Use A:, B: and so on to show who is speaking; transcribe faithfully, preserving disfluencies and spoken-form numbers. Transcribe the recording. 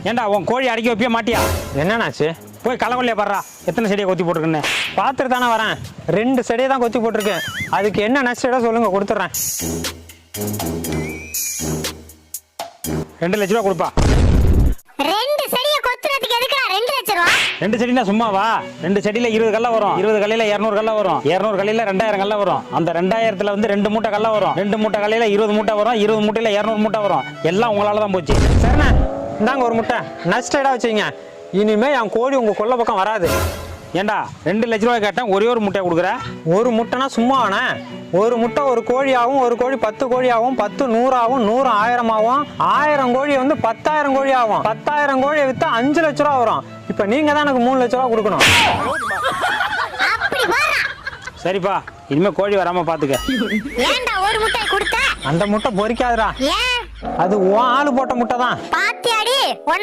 A: ஏன்டா உன் கோழி அடக்கி வைப்பிய மாட்டியா?
B: என்னன்னாச்சு?
A: போய் களவள்ளியா பாடுறா, எத்தனை செடியை கொத்தி போட்டுருக்குன்னு
B: பார்த்துட்டு தானே வரேன். ரெண்டு செடியை தான் கொத்தி போட்டிருக்கேன். அதுக்கு என்ன நஷ்டம் சொல்லுங்க, கொடுத்துட்றேன்.
A: ரெண்டு லட்ச ரூபா கொடுப்பா.
C: ரெண்டு செடியை கொத்துறதுக்கு எதுக்குடா ரெண்டு லட்சம் ரூபா?
A: ரெண்டு செடினா சும்மாவா? ரெண்டு செடியில இருபது கல்ல வரும். இருபது கல்லையில இருநூறு கல்ல வரும். இருநூறு கல்லையில ரெண்டாயிரம் கல்ல வரும். அந்த ரெண்டாயிரத்துல வந்து ரெண்டு மூட்டை கல்ல வரும். ரெண்டு மூட்டை கல்லையில இருபது மூட்டை வரும். இருபது மூட்டையில இருநூறு மூட்டை வரும். எல்லாம் உங்களால தான் போச்சு.
B: சரிண்ணே, இந்தாங்க ஒரு முட்டை. நஷ்டம் வச்சுங்க. இனிமே என் கோழி உங்க கொல்லை பக்கம் வராது.
A: ஏண்டா ரெண்டு லட்ச ரூபாய் கேட்டேன், ஒரே ஒரு முட்டையை கொடுக்குற?
B: ஒரு முட்டைனா சும்மாவானே? ஒரு முட்டை ஒரு கோழியாகவும், ஒரு கோழி பத்து கோழியாகவும், பத்து நூறாகவும், நூறு ஆயிரமாகவும், ஆயிரம் கோழி வந்து பத்தாயிரம் கோழி ஆகும். பத்தாயிரம் கோழியை வித்தா அஞ்சு லட்ச ரூபா வரும். இப்ப நீங்க தான் எனக்கு மூணு லட்ச ரூபா கொடுக்கணும்.
A: சரிப்பா, இனிமே கோழி வராம பாத்துக்க.
C: ஏன்டா ஒரு முட்டை கொடுத்த?
B: அந்த முட்டை பொரிக்காதுடா.
C: ஏன்?
B: அது உன் ஆளு போட்ட முட்டை தான்.
C: பாத்தியாடி?